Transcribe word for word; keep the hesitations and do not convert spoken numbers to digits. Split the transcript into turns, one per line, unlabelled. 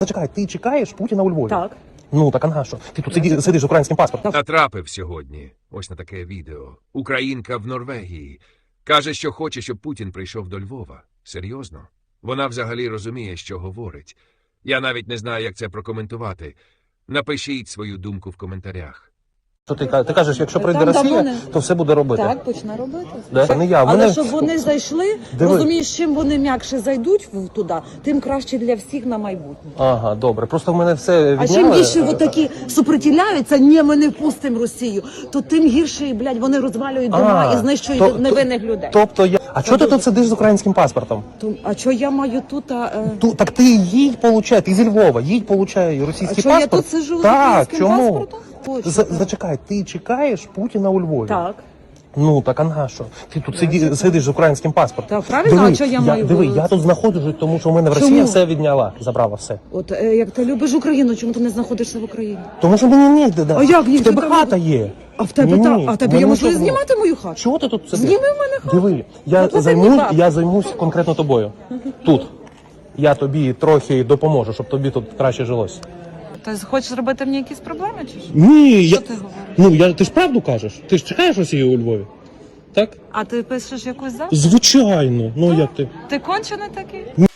Зачекай, ти чекаєш Путіна у Львові?
Так.
Ну, так а на що? Ти тут сиді, сидиш з українським паспортом.
Натрапив сьогодні ось на таке відео. Українка в Норвегії. Каже, що хоче, щоб Путін прийшов до Львова. Серйозно? Вона взагалі розуміє, що говорить. Я навіть не знаю, як це прокоментувати. Напишіть свою думку в коментарях.
Що ти, ка- ти кажеш, якщо прийде
Там
Росія,
давно не-
то все буде робити.
Так, почне робити.
Да? Це не я.
Але
Мене...
щоб вони зайшли,
Диви.
розумієш, чим вони м'якше зайдуть в- туди, тим краще для всіх на майбутнє.
Ага, добре. Просто в мене все
А
відняли.
чим більше отакі супротивляються, ні, ми не впустимо Росію, то тим гірше, блядь, вони розвалюють дома
А,
і знищують
то-
невинних людей.
Тобто я... А чого ти тут сидиш з українським паспортом?
То- а що я маю тут? А, е,
Ту, так ти їдь, получай, ти зі Львова, їдь, получай
а
російський
що я
паспорт.
тут сижу з
Так,
українським
чому?
паспортом? Точно.
За- Зачекай, ти чекаєш Путіна у Львові?
Так.
Ну, так а на що? Ти тут сиді, сидиш з українським паспортом.
Так, правильно, а що я маю
Диви,
говорити?
я тут знаходжусь, тому що в мене в
Чому?
Росії все відняла, забрала все.
От е, як ти любиш Україну, чому ти не знаходишся в Україні?
Тому що мені ніде, да.
А як ні?
В тебе
Що там
хата
буде?
є.
А в тебе
Ні,
та,
ні,
а в тебе
в
є
мене
можливість
нічого
знімати мою хату?
Чого ти тут сидиш?
Зніми в мене хату.
Диви, я,
От
займу,
мені баб.
я займусь конкретно тобою. Тут. Я тобі трохи допоможу, щоб тобі тут краще жилось.
Ти хочеш зробити мені якісь проблеми чи що?
Ні,
Що
я...
ти говориш?
Ну, я... ти ж правду кажеш? Ти ж чекаєш Росію у Львові? Так?
А ти пишеш якусь запис?
Звичайно. Ну, як ти?
Ти кончений такий?